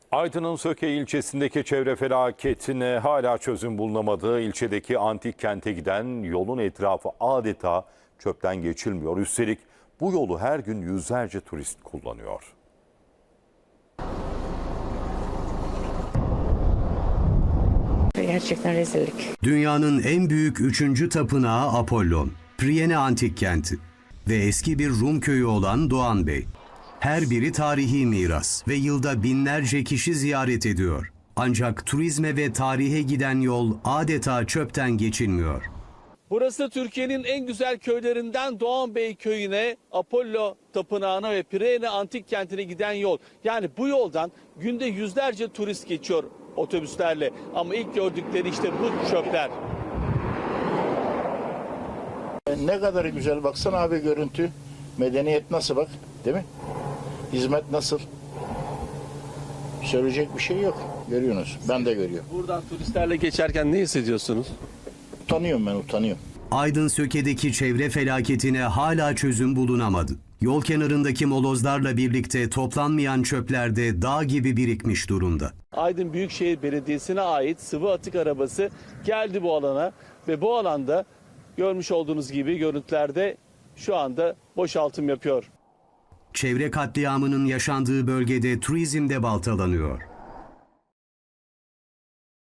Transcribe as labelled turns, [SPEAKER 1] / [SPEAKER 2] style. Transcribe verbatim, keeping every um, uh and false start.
[SPEAKER 1] Aydın'ın Söke ilçesindeki çevre felaketine hala çözüm bulunamadığı ilçedeki antik kente giden yolun etrafı adeta çöpten geçilmiyor. Üstelik bu yolu her gün yüzlerce turist kullanıyor.
[SPEAKER 2] Gerçekten rezillik.
[SPEAKER 3] Dünyanın en büyük üçüncü tapınağı Apollon, Priene Antik Kenti ve eski bir Rum köyü olan Doğan Bey. Her biri tarihi miras ve yılda binlerce kişi ziyaret ediyor. Ancak turizme ve tarihe giden yol adeta çöpten geçilmiyor.
[SPEAKER 4] Burası Türkiye'nin en güzel köylerinden Doğan Bey köyüne, Apollo Tapınağı'na ve Priene Antik Kenti'ne giden yol. Yani bu yoldan günde yüzlerce turist geçiyor otobüslerle. Ama ilk gördükleri işte bu çöpler.
[SPEAKER 5] Ne kadar güzel, baksana abi görüntü. Medeniyet nasıl, bak, değil mi? Hizmet nasıl? Söyleyecek bir şey yok. Görüyorsunuz. Ben de görüyorum.
[SPEAKER 4] Buradan turistlerle geçerken ne hissediyorsunuz?
[SPEAKER 5] Utanıyorum ben, utanıyorum.
[SPEAKER 3] Aydın Söke'deki çevre felaketine hala çözüm bulunamadı. Yol kenarındaki molozlarla birlikte toplanmayan çöpler de dağ gibi birikmiş durumda.
[SPEAKER 4] Aydın Büyükşehir Belediyesi'ne ait sıvı atık arabası geldi bu alana ve bu alanda görmüş olduğunuz gibi görüntülerde şu anda boşaltım yapıyor.
[SPEAKER 3] Çevre katliamının yaşandığı bölgede turizm de baltalanıyor.